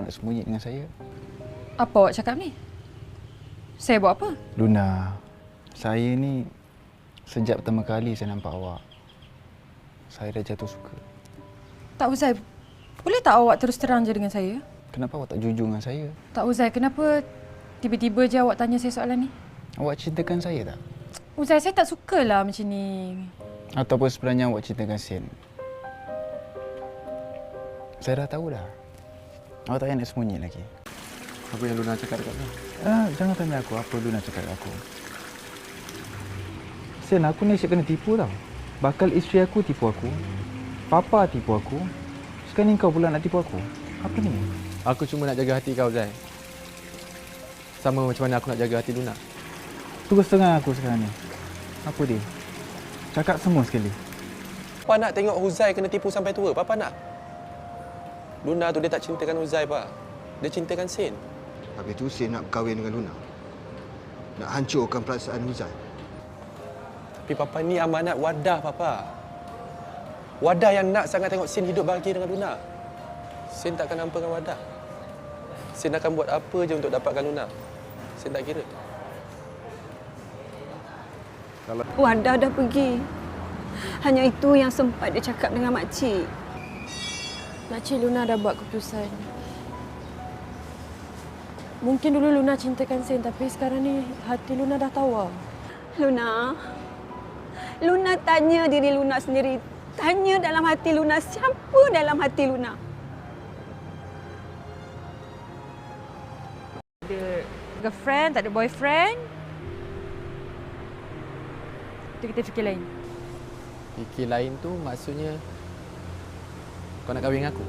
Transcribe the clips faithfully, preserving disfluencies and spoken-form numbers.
nak sembunyi dengan saya? Apa awak cakap ni? Saya buat apa? Luna, saya ni sejak pertama kali saya nampak awak, saya dah jatuh suka. Tak Uzai, boleh tak awak terus terang je dengan saya? Kenapa awak tak jujur dengan saya? Tak Uzai, kenapa tiba-tiba je awak tanya saya soalan ni? Awak cintakan saya tak? Uzai, saya tak sukalah macam ni. Ataupun sebenarnya awak cintakan Sin? Saya dah tahu dah. Awak tak payah nak sembunyi lagi. Apa yang Luna cakap dekat kau? Ah, jangan tanya aku apa Luna cakap dekat aku. Sin, aku ni asyik kena tipu tau. Bakal isteri aku tipu aku. Papa tipu aku. Sekarang ni kau pula nak tipu aku. Apa ni? Aku cuma nak jaga hati kau, Zai. Sama macam mana aku nak jaga hati Luna. Terus terang aku sekarang ni. Apa dia? Cakap semua sekali. Papa nak tengok Huzai kena tipu sampai tua. Papa nak. Luna tu dia tak cintakan Huzai, Pak. Dia cintakan Sin. Habis tu Sin nak berkahwin dengan Luna. Nak hancurkan perasaan Huzai. Tapi Papa ni amanat wadah, Papa. Wadah yang nak sangat tengok Sin hidup bahagia dengan Luna. Sin takkan hampakan wadah. Sin akan buat apa je untuk dapatkan Luna. Sin tak kira. Wadah dah pergi. Hanya itu yang sempat dia cakap dengan makcik. Makcik Luna dah buat keputusan. Mungkin dulu Luna cintakan Sin, tapi sekarang ni hati Luna dah tawar. Luna, Luna tanya diri Luna sendiri. Tanya dalam hati Luna, siapa dalam hati Luna? Ada girlfriend, tak ada boyfriend. Itu kita fikir lain. Fikir lain tu maksudnya kau nak kahwin dengan aku?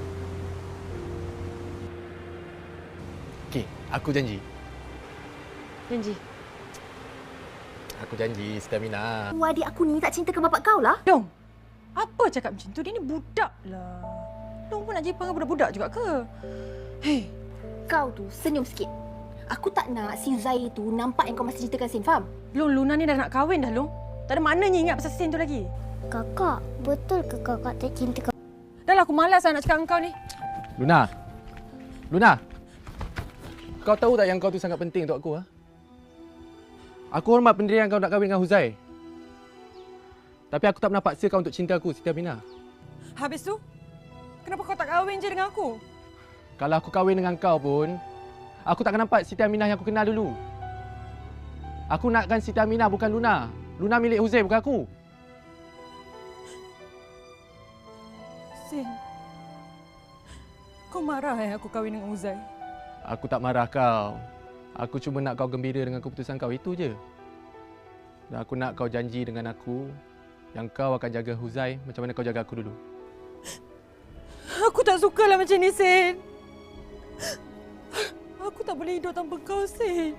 Okey, aku janji. Janji. Aku janji, Stamina. Oh, adik aku ni tak cintakan bapak kau lah. Dong, apa cakap macam tu? Dia ni budak lah. Dong pun nak jadi panggil budak-budak juga ke? Hei, Kau tu senyum sikit. Aku tak nak si Zai tu nampak yang kau masih cintakan Sin, faham? Long, Luna ni dah nak kahwin dah, Long. Tak ada maknanya ingat pasal Sin tu lagi. Kakak, betul ke kakak tak cinta kau? Dah lah, aku malas lah nak cakap dengan kau ni. Luna. Luna. Kau tahu tak yang kau tu sangat penting untuk aku, ha? Aku hormat pendirian kau nak kahwin dengan Huzai. Tapi aku tak pernah paksa kau untuk cinta aku, Siti Aminah. Habis tu, kenapa kau tak kahwin je dengan aku? Kalau aku kahwin dengan kau pun, aku takkan nampak Siti Aminah yang aku kenal dulu. Aku nakkan Siti Aminah, bukan Luna. Luna milik Huzai, bukan aku. Sin, kau marah eh aku kahwin dengan Uzai? Aku tak marah kau. Aku cuma nak kau gembira dengan keputusan kau, itu je. Dan aku nak kau janji dengan aku yang kau akan jaga Huzai macam mana kau jaga aku dulu. Aku tak sukalah macam ni, Sin. Aku tak boleh hidup tanpa kau, Sin.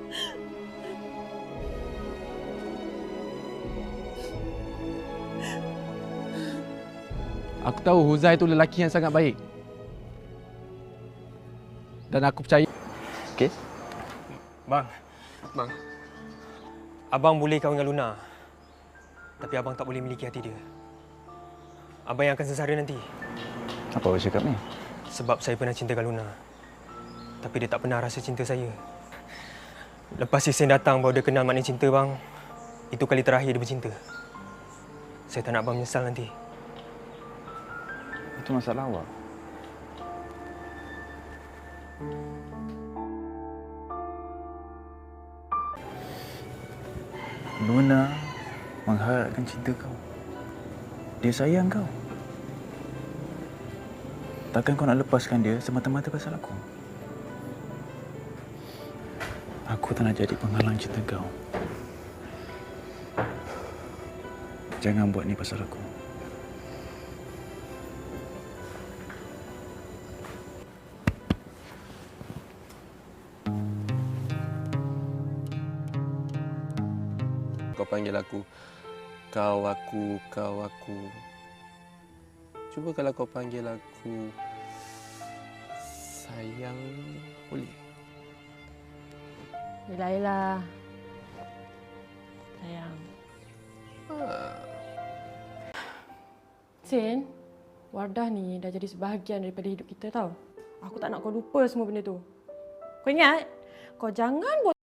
Aku tahu Huzai itu lelaki yang sangat baik. Dan aku percaya. Okey. Bang. Bang. Abang boleh kahwin dengan Luna. Tapi abang tak boleh miliki hati dia. Abang yang akan sengsara nanti. Apa awak cakap ni? Sebab saya pernah cintakan Luna. Tapi dia tak pernah rasa cinta saya. Lepas si Sin datang baru dia kenal makna cinta, bang. Itu kali terakhir dia bercinta. Saya tak nak abang menyesal nanti. Itu masalah awak. Luna mengharapkan cinta kau. Dia sayang kau. Takkan kau nak lepaskan dia semata-mata pasal aku? Aku tak nak jadi penghalang cinta kau. Jangan buat ni pasal aku. Kau panggil aku kau aku, kau aku. Cuba kalau kau panggil aku sayang, boleh? Yelah, yelah. Sayang. Ha. Sin, Wardah ni dah jadi sebahagian daripada hidup kita tau. Aku tak nak kau lupa semua benda tu. Kau ingat? Kau jangan